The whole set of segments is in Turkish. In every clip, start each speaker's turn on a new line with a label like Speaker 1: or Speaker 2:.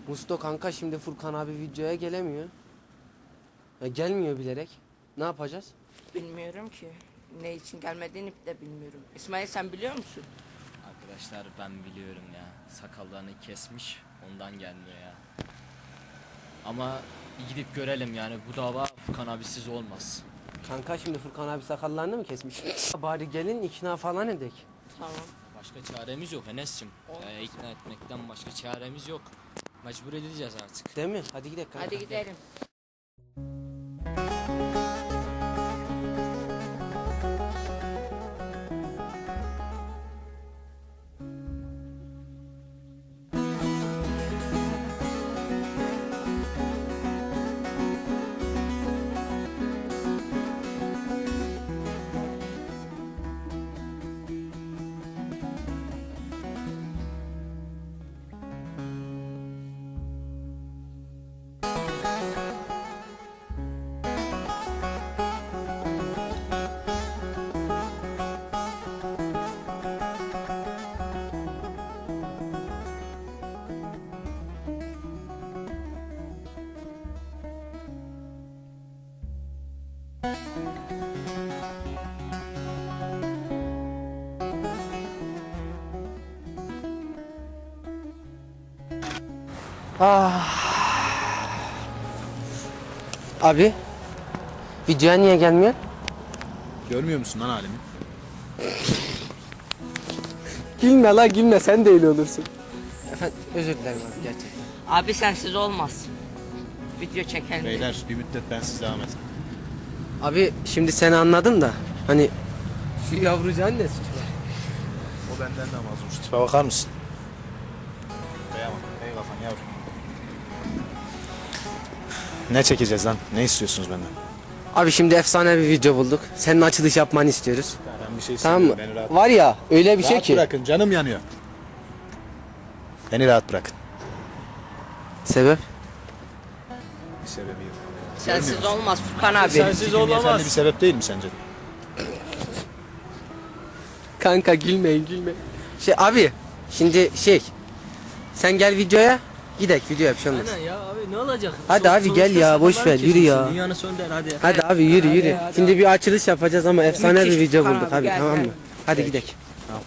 Speaker 1: Musto kanka şimdi Furkan abi videoya gelemiyor. Ya gelmiyor bilerek. Ne yapacağız?
Speaker 2: Bilmiyorum ki. Ne için gelmediğini de bilmiyorum. İsmail sen biliyor musun?
Speaker 3: Arkadaşlar ben biliyorum ya. Sakallarını kesmiş, ondan gelmiyor ya. Ama bir gidip görelim yani, bu dava Furkan abisiz olmaz.
Speaker 1: Kanka şimdi Furkan abi sakallarını mı kesmiş? Bari gelin ikna falan edek.
Speaker 2: Tamam.
Speaker 3: Başka çaremiz yok Enes'cim. İkna etmekten başka çaremiz yok. Mecbur edileceğiz artık.
Speaker 1: Değil mi? Hadi gidelim kanka.
Speaker 2: Hadi gidelim.
Speaker 1: Abi videoya niye gelmiyor?
Speaker 4: Görmüyor musun lan halimi?
Speaker 1: Gülme la gülme, sen de öyle olursun. Efendim özür dilerim abi gerçekten.
Speaker 2: Abi sensiz olmaz. Video çekelim.
Speaker 4: Beyler bir müddet bensiz devam et.
Speaker 1: Abi şimdi seni anladım da hani şu yavrucağın ne suçu var?
Speaker 4: O benden de mazlum. Şu tipe bakar mısın? Kıyamam. Ey kafan yavrum. Ne çekeceğiz lan? Ne istiyorsunuz benden?
Speaker 1: Abi şimdi efsane bir video bulduk. Senin açılış yapmanı istiyoruz.
Speaker 4: Ben bir şey
Speaker 1: Tamam mı?
Speaker 4: istemiyorum. Beni rahat,
Speaker 1: Var ya öyle bir şey
Speaker 4: rahat
Speaker 1: ki.
Speaker 4: bırakın. Canım yanıyor. Beni rahat bırakın.
Speaker 1: Sebep?
Speaker 4: Bir sebebi yok.
Speaker 2: Sensiz olmaz Furkan abi.
Speaker 3: Sensiz olamaz.
Speaker 4: Bir sebep değil mi sence?
Speaker 1: Kanka gülmeyin gülmeyin. Abi şimdi sen gel videoya. Gidek videoya bir şey olmaz.
Speaker 3: Aynen ya abi, ne olacak?
Speaker 1: Hadi abi gel ya, boş ver, yürü ya.
Speaker 3: Dünyanın sonu der hadi.
Speaker 1: Hadi abi yürü. Şimdi bir açılış yapacağız ama efsane
Speaker 2: Müthiş
Speaker 1: bir video
Speaker 2: Furkan
Speaker 1: bulduk
Speaker 2: abi,
Speaker 1: abi,
Speaker 2: gel,
Speaker 1: tamam
Speaker 2: gel.
Speaker 1: mı? Hadi gidek.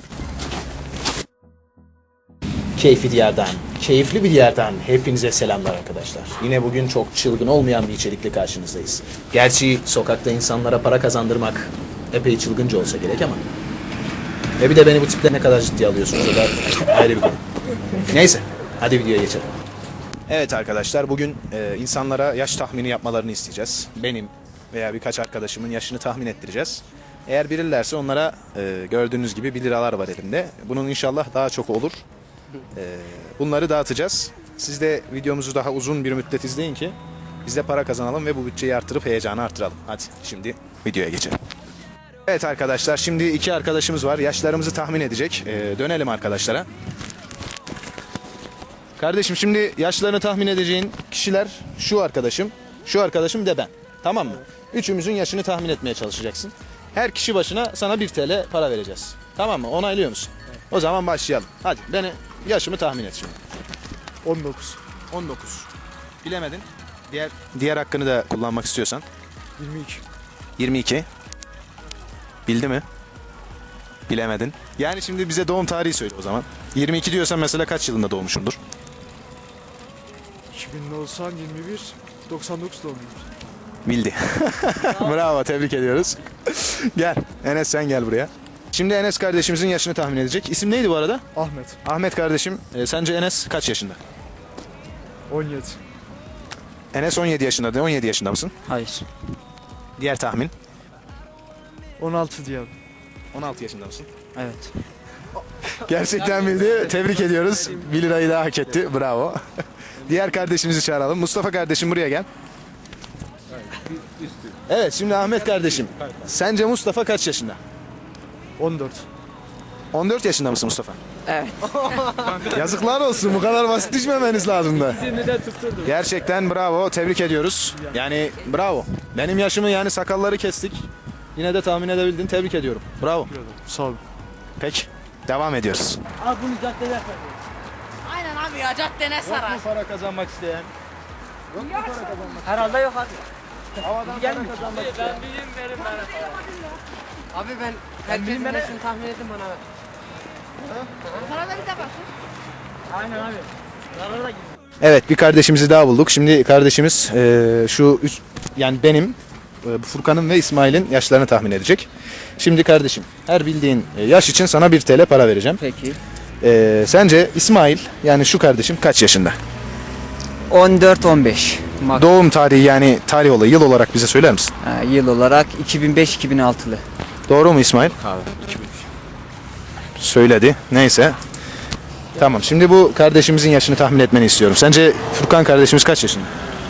Speaker 4: Keyfi Diyar'dan, keyifli bir yerden hepinize selamlar arkadaşlar. Yine bugün çok çılgın olmayan bir içerikle karşınızdayız. Gerçi sokakta insanlara para kazandırmak epey çılgınca olsa gerek ama. Ve bir de beni bu tipte ne kadar ciddiye alıyorsunuz, o da ayrı bir konu. Neyse, hadi videoya geçelim. Evet arkadaşlar, bugün insanlara yaş tahmini yapmalarını isteyeceğiz. Benim veya birkaç arkadaşımın yaşını tahmin ettireceğiz. Eğer bilirlerse onlara gördüğünüz gibi 1 liralar var elimde. Bunun inşallah daha çok olur. Bunları dağıtacağız. Siz de videomuzu daha uzun bir müddet izleyin ki biz de para kazanalım ve bu bütçeyi artırıp heyecanı artıralım. Hadi şimdi videoya geçelim. Evet arkadaşlar, şimdi 2 arkadaşımız var. Yaşlarımızı tahmin edecek. Dönelim arkadaşlara. Kardeşim, şimdi yaşlarını tahmin edeceğin kişiler şu arkadaşım de ben. Tamam mı? Üçümüzün yaşını tahmin etmeye çalışacaksın. Her kişi başına sana 1 TL para vereceğiz. Tamam mı? Onaylıyor musun? Evet. O zaman başlayalım. Hadi yaşımı tahmin et şimdi.
Speaker 5: 19.
Speaker 4: 19. Bilemedin. Diğer hakkını da kullanmak istiyorsan.
Speaker 5: 22.
Speaker 4: 22. Bildi mi? Bilemedin. Yani şimdi bize doğum tarihi söyle o zaman. 22 diyorsan mesela kaç yılında doğmuşsundur?
Speaker 5: 2090, 21, 99 doğumluyum.
Speaker 4: Bildi. Bravo, tebrik ediyoruz. Gel Enes, sen gel buraya. Şimdi Enes kardeşimizin yaşını tahmin edecek. İsim neydi bu arada?
Speaker 5: Ahmet.
Speaker 4: Ahmet kardeşim, sence Enes kaç yaşında?
Speaker 5: 17.
Speaker 4: Enes 17 yaşında. 17 yaşında mısın?
Speaker 3: Hayır.
Speaker 4: Diğer tahmin.
Speaker 5: 16 diyelim.
Speaker 4: 16 yaşında mısın?
Speaker 3: Evet.
Speaker 4: Gerçekten bildi. Tebrik ediyoruz. 1 lirayı daha hak etti. Bravo. Diğer kardeşimizi çağıralım. Mustafa kardeşim, buraya gel. Evet, şimdi Ahmet kardeşim. Sence Mustafa kaç yaşında?
Speaker 5: 14.
Speaker 4: 14 yaşında mısın Mustafa?
Speaker 2: Evet.
Speaker 4: Yazıklar olsun, bu kadar basit düşmemeniz lazım da. Gerçekten bravo, tebrik ediyoruz. Yani bravo. Benim yaşımı, yani sakalları kestik. Yine de tahmin edebildin, tebrik ediyorum. Bravo.
Speaker 5: Sağ ol.
Speaker 4: Peki, devam ediyoruz.
Speaker 2: Aynen abi. ya caddene sarar.
Speaker 4: para kazanmak isteyen?
Speaker 1: Herhalde yok abi.
Speaker 4: Havadan para kazanmak isteyen?
Speaker 1: Abi ben herkesin yaşını tahmin edin bana.
Speaker 2: Para da bir de bak.
Speaker 4: Evet, bir kardeşimizi daha bulduk. Şimdi kardeşimiz şu üç, yani benim, Furkan'ın ve İsmail'in yaşlarını tahmin edecek. Şimdi kardeşim, her bildiğin yaş için sana 1 TL para vereceğim.
Speaker 1: Peki.
Speaker 4: Sence İsmail, yani şu kardeşim kaç yaşında?
Speaker 6: 14-15.
Speaker 4: Doğum tarihi, yani tarih olayı, yıl olarak bize söyler misin?
Speaker 6: Yıl olarak 2005-2006'lı.
Speaker 4: Doğru mu İsmail? Söyledi. Neyse. Tamam. Şimdi bu kardeşimizin yaşını tahmin etmeni istiyorum. Sence Furkan kardeşimiz kaç yaşında?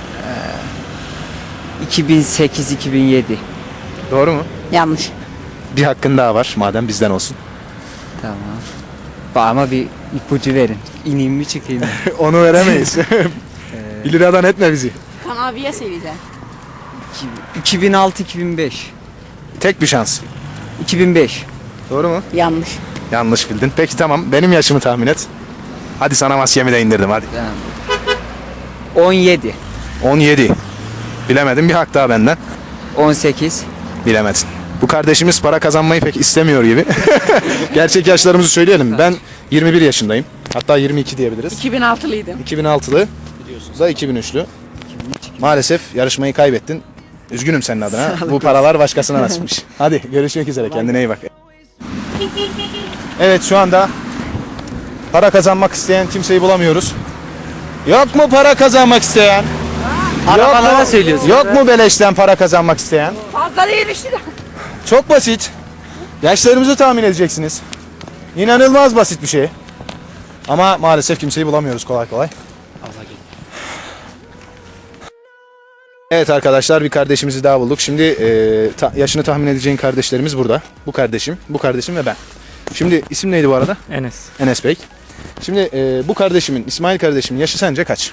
Speaker 6: 2008-2007.
Speaker 4: Doğru mu?
Speaker 2: Yanlış.
Speaker 4: Bir hakkın daha var. Madem bizden olsun.
Speaker 6: Tamam. Ama bir ipucu verin. İneyim mi çıkayım mı?
Speaker 4: Onu veremeyiz. 1 liradan etme bizi.
Speaker 2: Kan abiye söyleyeceğim.
Speaker 6: 2006-2005.
Speaker 4: Tek bir şans.
Speaker 6: 2005.
Speaker 4: Doğru mu?
Speaker 2: Yanlış.
Speaker 4: Yanlış bildin. Peki tamam. Benim yaşımı tahmin et. Hadi sana maskemi de indirdim hadi.
Speaker 6: Tamam. 17.
Speaker 4: 17. Bilemedim. Bir hak daha benden.
Speaker 6: 18.
Speaker 4: Bilemedin. Bu kardeşimiz para kazanmayı pek istemiyor gibi. Gerçek yaşlarımızı söyleyelim. Ben 21 yaşındayım. Hatta 22 diyebiliriz.
Speaker 2: 2006'lıydım.
Speaker 4: 2006'lı. Biliyorsunuz da 2003'lü. Maalesef yarışmayı kaybettin. Üzgünüm senin adına. Bu paralar başkasına nasipmiş. Hadi görüşmek üzere. Kendine iyi bak. Evet, şu anda para kazanmak isteyen kimseyi bulamıyoruz. Yok mu para kazanmak isteyen?
Speaker 1: Arabalara söylüyorsun.
Speaker 4: Yok mu beleşten para kazanmak isteyen?
Speaker 2: Fazla değilmiş de.
Speaker 4: Çok basit. Yaşlarımızı tahmin edeceksiniz. İnanılmaz basit bir şey. Ama maalesef kimseyi bulamıyoruz kolay kolay. Evet arkadaşlar, bir kardeşimizi daha bulduk. Şimdi yaşını tahmin edeceğin kardeşlerimiz burada. Bu kardeşim ve ben. Şimdi isim neydi bu arada?
Speaker 7: Enes.
Speaker 4: Enes Bey. Şimdi bu kardeşimin, İsmail kardeşimin yaşı sence kaç?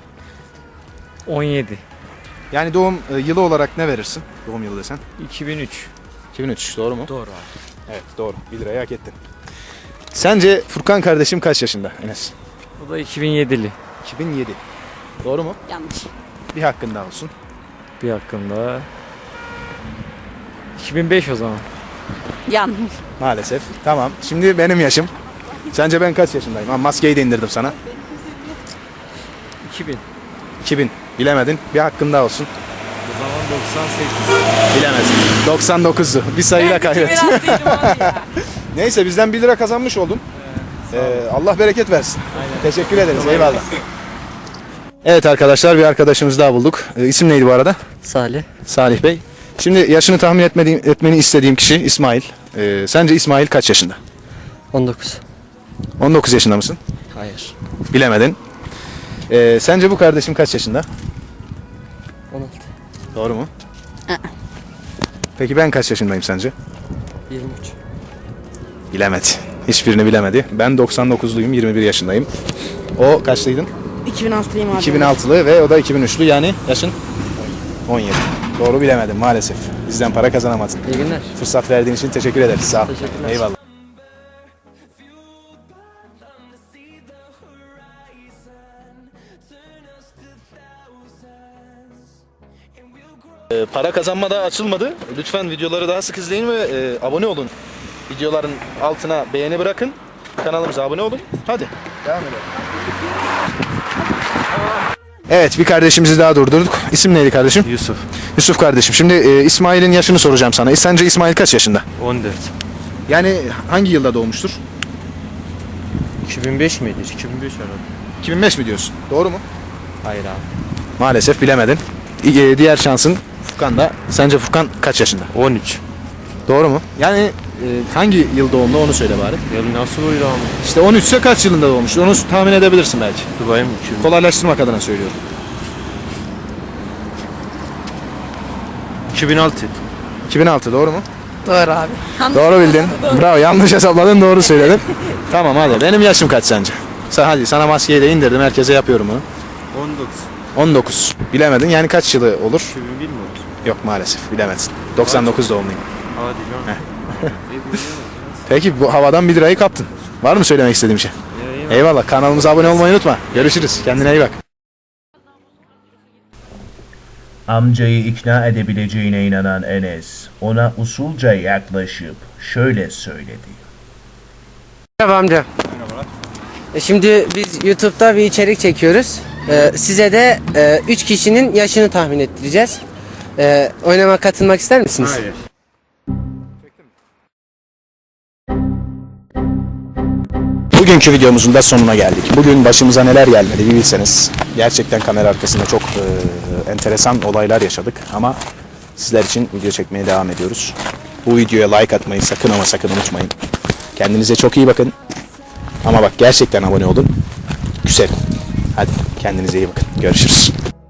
Speaker 7: 17.
Speaker 4: Yani doğum yılı olarak ne verirsin? Doğum yılı desen.
Speaker 7: 2003.
Speaker 4: 2003, doğru mu?
Speaker 7: Doğru abi.
Speaker 4: Evet, doğru. 1 lirayı hak ettin. Sence Furkan kardeşim kaç yaşında Enes?
Speaker 7: O da 2007'li.
Speaker 4: 2007. Doğru mu?
Speaker 2: Yanlış.
Speaker 4: Bir hakkın daha olsun.
Speaker 7: Bir hakkında. 2005 o zaman.
Speaker 2: Yanlış.
Speaker 4: Maalesef. Tamam. Şimdi benim yaşım. Sence ben kaç yaşındayım? Ha, maskeyi de indirdim sana.
Speaker 7: 2000.
Speaker 4: 2000. Bilemedin. Bir hakkın daha olsun.
Speaker 7: O zaman 98.
Speaker 4: Bilemezsin. 99'du. Bir sayıyla kaybettin.
Speaker 2: 2006'ydım abi ya.
Speaker 4: Neyse, bizden 1 lira kazanmış oldun. Allah bereket versin. Teşekkür ederiz. Eyvallah. Evet arkadaşlar, bir arkadaşımız daha bulduk. İsim neydi bu arada?
Speaker 6: Salih.
Speaker 4: Salih Bey. Şimdi yaşını tahmin etmeni istediğim kişi İsmail. Sence İsmail kaç yaşında?
Speaker 6: 19.
Speaker 4: 19 yaşında mısın?
Speaker 6: Hayır.
Speaker 4: Bilemedin. Sence bu kardeşim kaç yaşında?
Speaker 6: 16.
Speaker 4: Doğru mu? Peki ben kaç yaşındayım sence?
Speaker 6: 23.
Speaker 4: Bilemedi. Hiçbirini bilemedi. Ben 99'luyum, 21 yaşındayım. O kaçlıydın?
Speaker 2: 2006'lıyım abi.
Speaker 4: 2006'lı ve o da 2003'lü, yani yaşın 17. Doğru bilemedim maalesef. Bizden para kazanamadın.
Speaker 6: İyi günler.
Speaker 4: Fırsat verdiğin için teşekkür ederiz. Sağ ol.
Speaker 6: Teşekkürler.
Speaker 4: Eyvallah. Para kazanma da açılmadı. Lütfen videoları daha sık izleyin ve abone olun. Videoların altına beğeni bırakın. Kanalımıza abone olun. Hadi. Devam edelim. Evet, bir kardeşimizi daha durdurduk. İsim neydi kardeşim?
Speaker 7: Yusuf.
Speaker 4: Yusuf kardeşim. Şimdi İsmail'in yaşını soracağım sana. Sence İsmail kaç yaşında?
Speaker 7: 14.
Speaker 4: Yani hangi yılda doğmuştur?
Speaker 7: 2005 miydi? 2005 herhalde.
Speaker 4: 2005 mi diyorsun? Doğru mu?
Speaker 7: Hayır abi.
Speaker 4: Maalesef bilemedin. Diğer şansın Furkan'da. Sence Furkan kaç yaşında?
Speaker 7: 13.
Speaker 4: Doğru mu? Yani hangi yıl doğumlu onu söyle bari.
Speaker 7: Ya nasıl oydu ama?
Speaker 4: İşte 13 ise kaç yılında doğmuştur? Onu tahmin edebilirsin belki.
Speaker 7: Dubai mi? 2000.
Speaker 4: Kolaylaştırmak adına söylüyorum.
Speaker 7: 2006.
Speaker 4: 2006 doğru mu?
Speaker 2: Doğru abi.
Speaker 4: Doğru bildin. Bravo, yanlış hesapladın, doğru söyledin. Tamam hadi. Benim yaşım kaç sence? Hadi sana maskeyi de indirdim. Herkese yapıyorum bunu.
Speaker 7: 19.
Speaker 4: 19. Bilemedin. Yani kaç yılı olur?
Speaker 7: 2001 mi olur?
Speaker 4: Yok maalesef bilemezsin. 99 doğumluyum.
Speaker 7: Hadi canım.
Speaker 4: Peki bu havadan 1 lirayı kaptın. Var mı söylemek istediğim şey?
Speaker 7: Ya
Speaker 4: Eyvallah. Kanalımıza abone olmayı unutma. Görüşürüz. Kendine iyi bak.
Speaker 8: Amcayı ikna edebileceğine inanan Enes, ona usulca yaklaşıp şöyle söyledi.
Speaker 1: Merhaba amca. Şimdi biz YouTube'da bir içerik çekiyoruz. Size de 3 kişinin yaşını tahmin ettireceğiz. Oynamaya katılmak ister misiniz?
Speaker 7: Hayır.
Speaker 4: Bugünkü videomuzun da sonuna geldik. Bugün başımıza neler gelmedi bir bilseniz. Gerçekten kamera arkasında çok enteresan olaylar yaşadık ama sizler için video çekmeye devam ediyoruz. Bu videoya like atmayı sakın ama sakın unutmayın. Kendinize çok iyi bakın. Ama bak gerçekten abone olun. Güzel. Hadi kendinize iyi bakın. Görüşürüz.